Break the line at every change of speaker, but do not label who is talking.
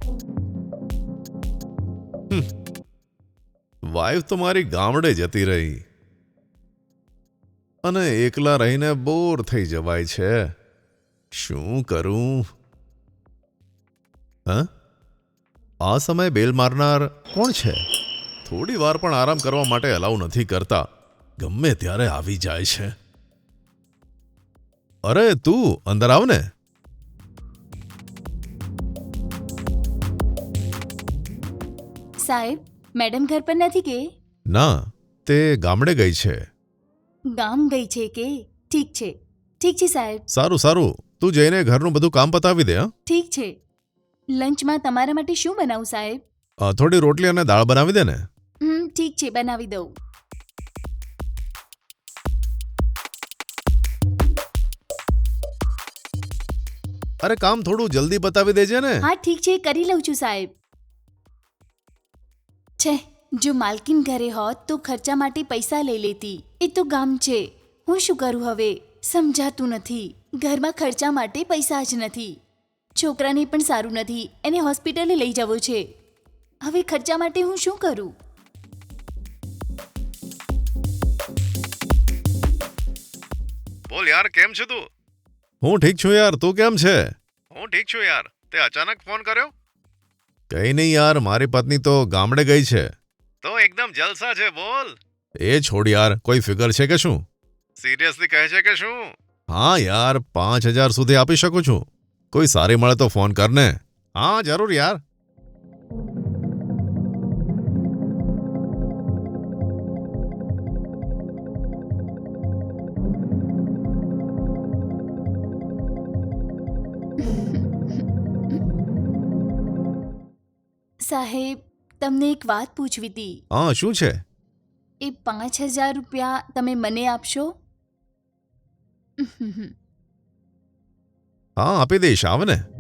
Wife તો મારી ગામડે જતી રહી અને એકલા રહીને બોર થઈ જવાય છે. શું કરું? હ? આ સમયે બેલ મારનાર કોણ છે? થોડી વાર પણ આરામ કરવા માટે અલાઉ નથી કરતા. ગમે ત્યારે આવી જાય છે. અરે તું અંદર આવ ને.
સાહેબ, મેડમ ઘર પર નથી કે?
ના, તે ગામડે ગઈ છે.
ગામ ગઈ છે કે? ઠીક છે સાહેબ.
સારું સારું, તું જઈને ઘરનું બધું કામ પતાવી દે.
ઠીક છે. લંચમાં તમારા માટે શું બનાવું સાહેબ?
થોડી રોટલી અને દાળ બનાવી દે ને.
ઠીક છે, બનાવી દઉં.
અરે કામ થોડું જલ્દી પતાવી દેજે ને.
હા ઠીક છે, કરી લઉં છું સાહેબ. છે, જો માલકીન ઘરે હોત તો ખર્ચા માટે પૈસા લઈ લેતી. એ તો ગામ છે. હું શું કરું હવે? સમજાતું નથી. ઘરમાં ખર્ચા માટે પૈસા જ નથી. છોકરાને પણ સારું નથી, એને હોસ્પિટલે લઈ જવો છે. હવે ખર્ચા માટે હું શું કરું?
બોલ યાર, કેમ છે તું? હું ઠીક છું યાર, તું કેમ છે? હું ઠીક છું યાર. તે અચાનક ફોન કર્યો? કઈ નહીં યાર, મારી પત્ની તો ગામડે ગઈ છે. તો એકદમ જલસા છે. બોલ. એ છોડ યાર, કોઈ ફિગર છે કે શું? સિરિયસલી કહે છે કે શું? હા યાર, 5,000 સુધી આપી શકું છું. કોઈ સારી મળે તો ફોન કર ને. હા જરૂર યાર.
સાહેબ, તમને એક વાત પૂછવી હતી.
હા, શું છે?
એ 5,000 રૂપિયા તમે મને આપશો?
હા, આપી દઈશ, આવ ને.